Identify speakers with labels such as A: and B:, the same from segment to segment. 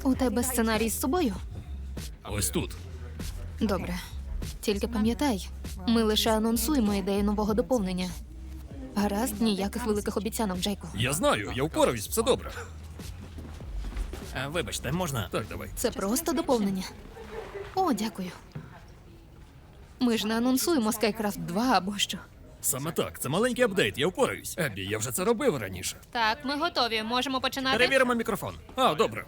A: У тебе сценарій з собою?
B: Ось тут.
A: Добре. Тільки пам'ятай, ми лише анонсуємо ідею нового доповнення. Гаразд, ніяких великих обіцянок, Джейку.
B: Я знаю, я впораюсь, все добре.
C: Вибачте, можна?
B: Так, давай.
A: Це просто доповнення. О, дякую. Ми ж не анонсуємо SkyCraft 2 або що.
B: Саме так, це маленький апдейт, я впораюсь. Еббі, я вже це робив раніше.
A: Так, ми готові. Можемо починати?
B: Перевіримо мікрофон. А, добре.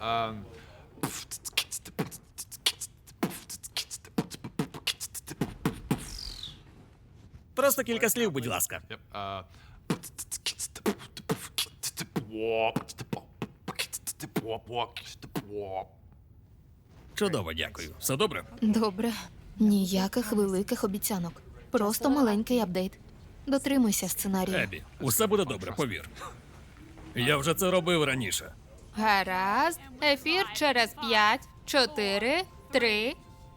C: Просто кілька слів, будь ласка.
B: Чудово, дякую. Все добре?
A: Добре. Ніяких великих обіцянок. Просто маленький апдейт. Дотримуйся сценарію.
B: Еббі, усе буде добре, повір. Я вже це робив раніше.
A: Гаразд. Ефір через 5, 4, 3.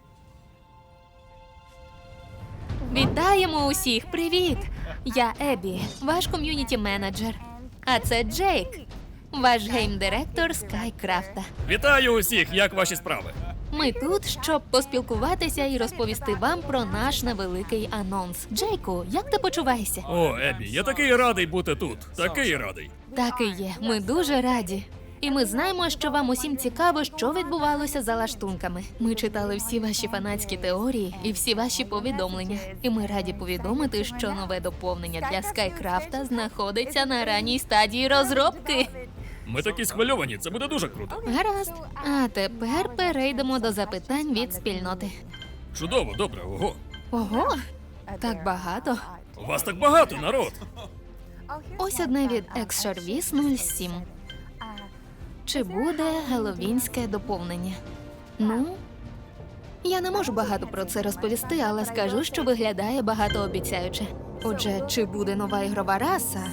A: Вітаємо усіх! Привіт! Я Еббі, ваш ком'юніті-менеджер. А це Джейк, ваш гейм-директор SkyCraft'а.
B: Вітаю усіх, як ваші справи?
A: Ми тут, щоб поспілкуватися і розповісти вам про наш невеликий анонс. Джейку, як ти почуваєшся?
B: О, Еббі, я такий радий бути тут. Такий радий.
A: Так і є. Ми дуже раді. І ми знаємо, що вам усім цікаво, що відбувалося за лаштунками. Ми читали всі ваші фанатські теорії і всі ваші повідомлення. І ми раді повідомити, що нове доповнення для SkyCraft'а знаходиться на ранній стадії розробки.
B: Ми такі схвильовані, це буде дуже круто.
A: Гаразд. А тепер перейдемо до запитань від спільноти.
B: Чудово, добре, ого.
A: Ого, так багато.
B: У вас так багато, народ.
A: Ось одне від Xservice 07. Чи буде геловінське доповнення? Ну, я не можу багато про це розповісти, але скажу, що виглядає багатообіцяюче. Отже, чи буде нова ігрова раса?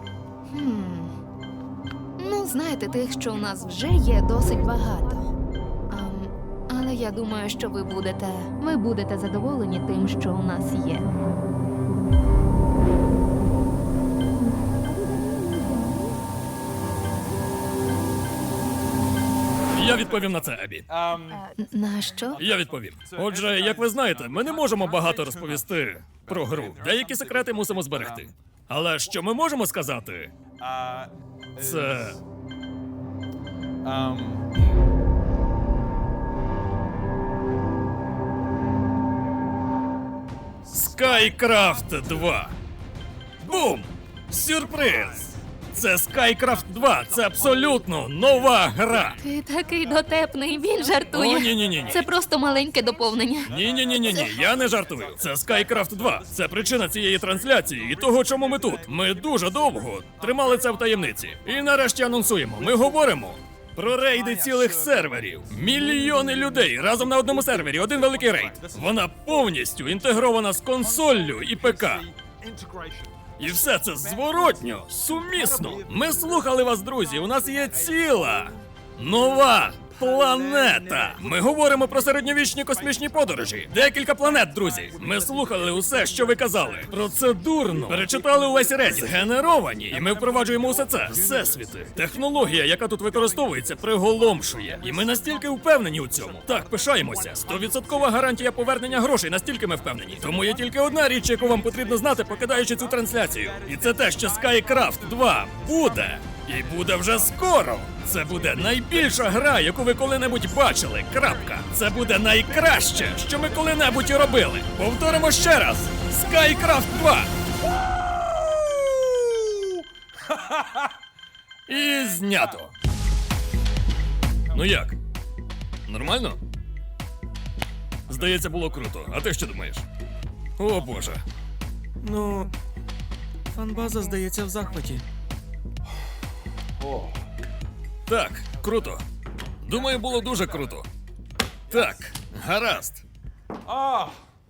A: Ну, знаєте, тих, що у нас вже є, досить багато. Але я думаю, що ви будете задоволені тим, що у нас є.
B: Я відповім на це, Еббі.
A: На що?
B: Я відповім. Отже, як ви знаєте, ми не можемо багато розповісти про гру. Деякі секрети мусимо зберегти. Але що ми можемо сказати? Це... SkyCraft 2. Бум! Сюрприз! Це SkyCraft 2, це абсолютно нова гра.
A: Ти такий дотепний, він жартує.
B: О, ні-ні-ні.
A: Це просто маленьке доповнення.
B: Ні, я не жартую. Це SkyCraft 2. Це причина цієї трансляції і того, чому ми тут. Ми дуже довго тримали це в таємниці. І нарешті анонсуємо. Ми говоримо про рейди цілих серверів. Мільйони людей разом на одному сервері, один великий рейд. Вона повністю інтегрована з консоллю і ПК. І все це зворотньо, сумісно. Ми слухали вас, друзі. У нас є ціла нова планета. Ми говоримо про середньовічні космічні подорожі. Декілька планет, друзі. Ми слухали усе, що ви казали. Процедурно перечитали увесь Reddit. Згенеровані. І ми впроваджуємо усе це. Всесвіти. Технологія, яка тут використовується, приголомшує. І ми настільки впевнені у цьому. Так, пишаємося. 100% гарантія повернення грошей, настільки ми впевнені. Тому є тільки одна річ, яку вам потрібно знати, покидаючи цю трансляцію. І це те, що SkyCraft 2 буде. І буде вже скоро. Це буде найбільша гра, яку ви коли-небудь бачили. Крапка. Це буде найкраще, що ми коли-небудь робили. Повторимо ще раз. SkyCraft 2. І знято. Ну як? Нормально? Здається, було круто. А ти що думаєш? О, Боже.
C: Ну, фанбаза, здається, в захваті.
B: Так, круто. Думаю, було дуже круто. Так, гаразд.